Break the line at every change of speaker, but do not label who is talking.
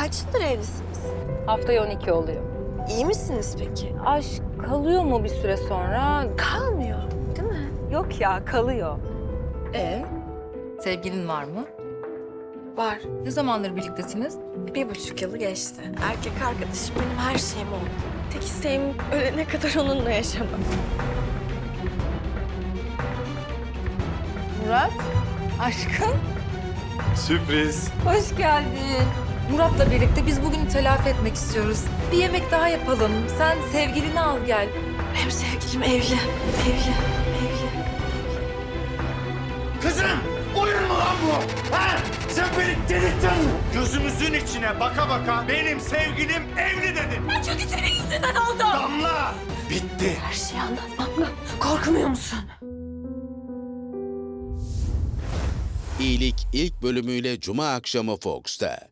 Kaç yıldır evlisiniz?
Haftaya 12 oluyor.
İyi misiniz peki?
Aşk kalıyor mu bir süre sonra?
Kalmıyor, değil mi?
Yok ya, kalıyor. Sevgilin var mı?
Var.
Ne zamandır birliktesiniz?
1,5 yılı geçti. Erkek arkadaşım benim her şeyim oldu. Tek isteğim ölene kadar onunla yaşamak.
Murat, aşkım.
Sürpriz.
Hoş geldin. Murat'la birlikte biz bugünü telafi etmek istiyoruz. Bir yemek daha yapalım. Sen sevgilini al gel.
Benim sevgilim evli. Evli.
Kızım! Oyun mu lan bu? Ha? Sen beni delirttin. Gözümüzün içine baka baka benim sevgilim evli dedin.
Ben çünkü senin yüzünden oldu.
Damla! Bitti.
Her şeyi anlatmamla korkmuyor musun?
İyilik ilk bölümüyle Cuma akşamı Fox'ta.